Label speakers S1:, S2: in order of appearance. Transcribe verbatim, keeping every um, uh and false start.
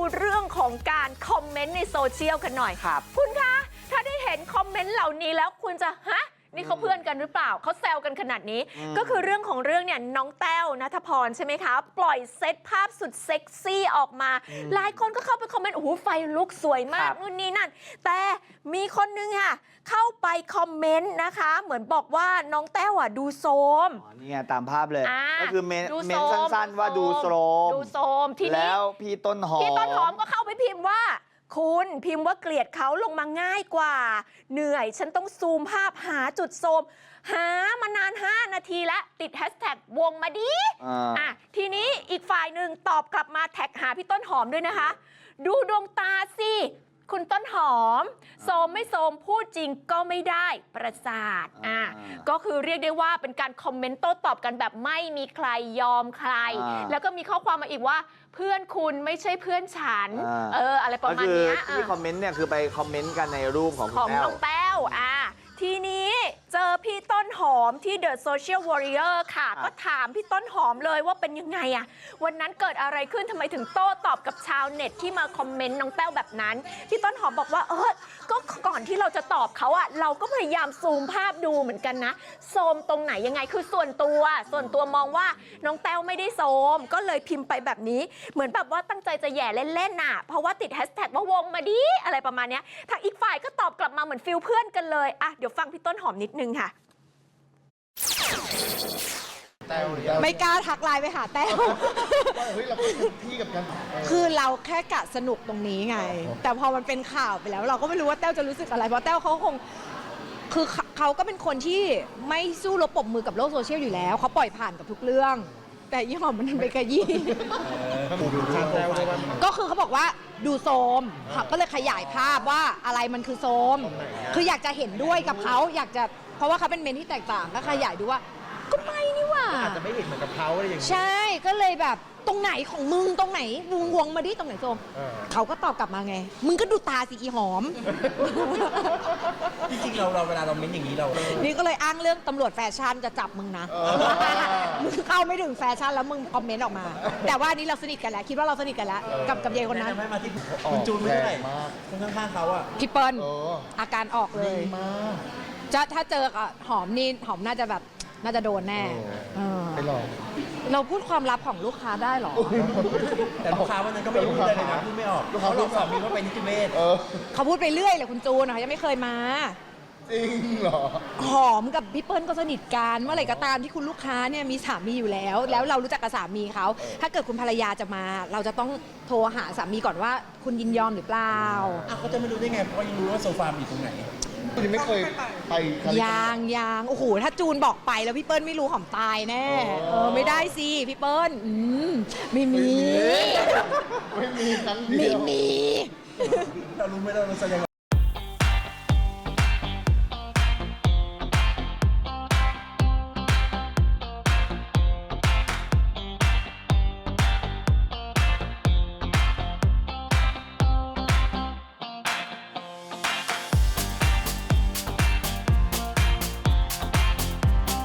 S1: เรื่องของการคอมเมนต์ในโซเชียลกันหน่อยครับคุณคะถ้าได้เห็นคอมเมนต์เหล่านี้แล้วคุณจะฮะนี่เขาเพื่อนกันหรือเปล่าเขาแซวกันขนาดนี้ก็คือเรื่องของเรื่องเนี่ยน้องแต้วณัฐพรใช่ไหมคะปล่อยเซตภาพสุดเซ็กซี่ออกมาหลายคนก็เข้าไปคอมเมนต์โอ้โหไฟลุกสวยมากนู่นนี่นั่นแต่มีคนนึงค่ะเข้าไปคอมเมนต์นะคะเหมือนบอกว่าน้องแต้วอ่ะดูโซม
S2: อ๋อนี่ไงตามภาพเลยก็คือเมนเมนสั้นๆว่าดูโซม
S1: ดูโซมทีนี้
S2: แล้วพี่ต้นหอม
S1: พี่ต้นหอมก็เข้าไปพิมพ์ว่าคุณพิมพ์ว่าเกลียดเขาลงมาง่ายกว่าเหนื่อยฉันต้องซูมภาพหาจุดโซมหามานานห้านาทีแล้วติดแฮชแท็กวงมาดีอ่ะทีนี้อีกฝ่ายหนึ่งตอบกลับมาแท็กหาพี่ต้นหอมด้วยนะคะดูดวงตาสิคุณต้นหอมโซมไม่โซมพูดจริงก็ไม่ได้ประสาทอ่ะก็คือเรียกได้ว่าเป็นการคอมเมนต์โต้ตอบกันแบบไม่มีใครยอมใครแล้วก็มีข้อความมาอีกว่าเพื่อนคุณไม่ใช่เพื่อนฉันเอออะไรประมาณนี้
S2: ที่คอมเมนต์เนี่ยคือไปคอมเมนต์กันในรูปของ
S1: ของน้องแต้วอ่ะทีนี้เจอพี่ต้นหอมที่ The Social Warrior ค่ะก็ถามพี่ต้นหอมเลยว่าเป็นยังไงอะวันนั้นเกิดอะไรขึ้นทำไมถึงโต้ตอบกับชาวเน็ตที่มาคอมเมนต์น้องแต้วแบบนั้นพี่ต้นหอมบอกว่าเออก็ก่อนที่เราจะตอบเขาอะเราก็พยายามซูมภาพดูเหมือนกันนะโซมตรงไหนยังไงคือส่วนตัวส่วนตัวมองว่าน้องแต้วไม่ได้โซมก็เลยพิมพ์ไปแบบนี้เหมือนแบบว่าตั้งใจจะแย่เล่นๆน่ะเพราะว่าติดแฮชแท็กว่าวงมาดีอะไรประมาณนี้ทางอีกฝ่ายก็ตอบกลับมาเหมือนฟิลเพื่อนกันเลยอะเดี๋ยวฟังพี่ต้นหอมนิดนึงค่ะ
S3: ไม่กล้าทักไลน์ไปหาแต้ว
S4: เฮ้ยเราก็เป็นที่กับกัน
S3: คือเราแค่กะสนุกตรงนี้ไงแต่พอมันเป็นข่าวไปแล้วเราก็ไม่รู้ว่าแต้วจะรู้สึกอะไรเพราะแต้วเขาคงคือเขาก็เป็นคนที่ไม่สู้รบปรบมือกับโลกโซเชียลอยู่แล้วเขาปล่อยผ่านกับทุกเรื่องแต่ยี่ห้อมันไปกระยี่ก็คือเขาบอกว่าดูโซมก็เลยขยายภาพว่าอะไรมันคือโซมคืออยากจะเห็นด้วยกับเขาอยากจะเพราะว่าเขาเป็นเมนที่แตกต่างก็ขยายดูว่าก็ไม่นี่ว่า
S4: อาจจะไม่เห็นเหมือนกับเขาอะไรอย่างนี้
S3: ใช่ก็เลยแบบตรงไหนของมึงตรงไหนมึงวงมาดิตรงไหนโซมเขาก็ตอบกลับมาไงมึงก็ดูตาสิอีหอม
S4: จริงๆเราเราเวลาเราเม้นอย่างนี้เรา
S3: นี่ก็เลยอ้างเรื่องตำรวจแฟชั่นจะจับมึงนะมึงเข้าไม่ถึงแฟชั่นแล้วมึงคอมเมนต์ออกมาแต่ว่านี้เราสนิทกันแล้วคิดว่าเราสนิทกันแล้วกับกับเยคนนั้น
S4: ไม่มาที่คุณจูนไม่ได้คนข้างๆเขาอะ
S3: พี่เปิ้ลอาการออกเลยจะถ้าเจอหอมนี่หอมน่าจะแบบน่าจะโดนแน่
S4: ไปหลอก
S3: เราพูดความลับของลูกค้าได้หรอ
S4: แต่ลูกค้าวันนั้นก็ไม่พูดเลยนะพูดไม่ออกเขาหลอกสามีว่าไปนิติเวช
S3: เขาพูดไปเรื่อยเลยคุณจูนนะคะยังไม่เคยมา
S4: จริงเหรอ
S3: หอมกับพี่เปิ้ลก็สนิทกันเมื่อไหร่ก็ตามที่คุณลูกค้าเนี่ยมีสามีอยู่แล้วแล้วเรารู้จักกับสามีเขาถ้าเกิดคุณภรรยาจะมาเราจะต้องโทรหาสามีก่อนว่าคุณยินยอมหรือเปล่า
S4: เขาจะไม่รู้ได้ไงเพราะยังรู้ว่าโซฟาอยู่ตรงไหนยังไม่เคยไป
S3: ยางยางโอ้โหถ้าจูนบอกไปแล้วพี่เปิ้ลไม่รู้หอมตายแน่เออไม่ได้สิพี่เปิ้ลอืมไม่มี
S4: ไม่มีครั้งเดียว
S3: ไม่มี
S4: เรารู้ไหมเราแสดง